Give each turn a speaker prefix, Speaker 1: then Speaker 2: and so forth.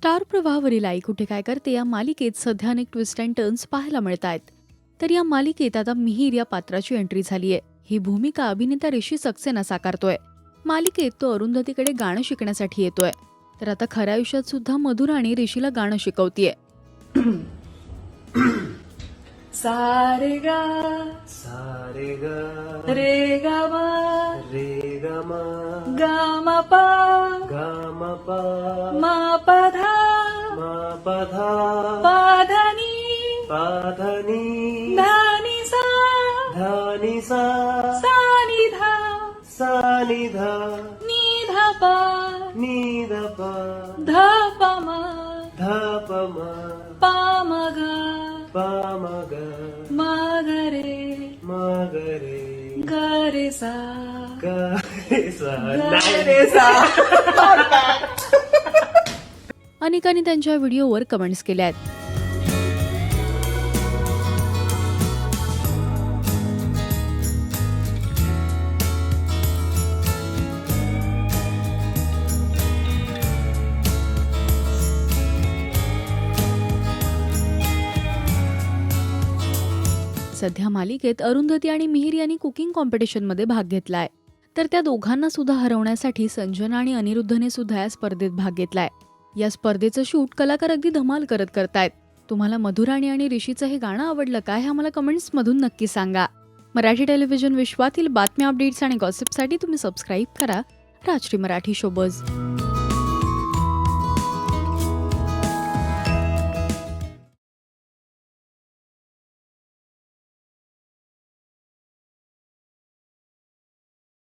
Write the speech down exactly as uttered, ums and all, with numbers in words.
Speaker 1: Star प्रवाहावरील आई कुठे काय करते या मालिकेत सध्या अनेक ट्विस्ट अँड टर्न्स पाहायला मिळत आहेत. तर या मालिकेत आता मिहीर या पात्राची एंट्री झाली आहे. ही भूमिका अभिनेता ऋषी सक्सेना साकारतोय. मालिकेत तो अरुंधतीकडे गाणं शिकण्यासाठी येतोय. तर आता खऱ्या आयुष्यात सुद्धा मधुराणी ऋषीला गाणं शिकवतीये.
Speaker 2: सारे गा
Speaker 3: सारे ग
Speaker 2: रे गा मा
Speaker 3: रे ग म
Speaker 2: गा मा पा
Speaker 3: ग म प
Speaker 2: मा पा धा
Speaker 3: म प ध
Speaker 2: पा धा नी
Speaker 3: प ध नी
Speaker 2: धा नी सा
Speaker 3: ध नि सा
Speaker 2: सा नी धा
Speaker 3: सा नि ध
Speaker 2: नी धा पा
Speaker 3: नि ध प
Speaker 2: धा पा मा
Speaker 3: ध प म
Speaker 2: पा मा गा
Speaker 3: प म ग
Speaker 2: मा गा रे
Speaker 3: म ग रे
Speaker 2: गा रे सा
Speaker 3: ग रे सा
Speaker 2: गा
Speaker 3: नाही
Speaker 2: रे सा.
Speaker 1: अनेकांनी त्यांच्या व्हिडिओवर कमेंट्स केल्या आहेत. सध्या मालिकेत अरुंधती आणि मिहीर यांनी कुकिंग कॉम्पिटिशनमध्ये भाग घेतलाय. तर त्या दोघांना सुद्धा हरवण्यासाठी संजना आणि अनिरुद्धने सुद्धा या स्पर्धेत भाग घेतलाय. या स्पर्धेचं शूट कलाकार अगदी धमाल करत करतायत. तुम्हाला मधुराणी आणि ऋषीचं हे गाणं आवडलं का हे आम्हाला कमेंट्स मधून नक्की सांगा. मराठी टेलिव्हिजन विश्वातील बातम्या, अपडेट्स आणि गॉसिपसाठी तुम्ही सबस्क्राईब करा राजश्री मराठी शोबज.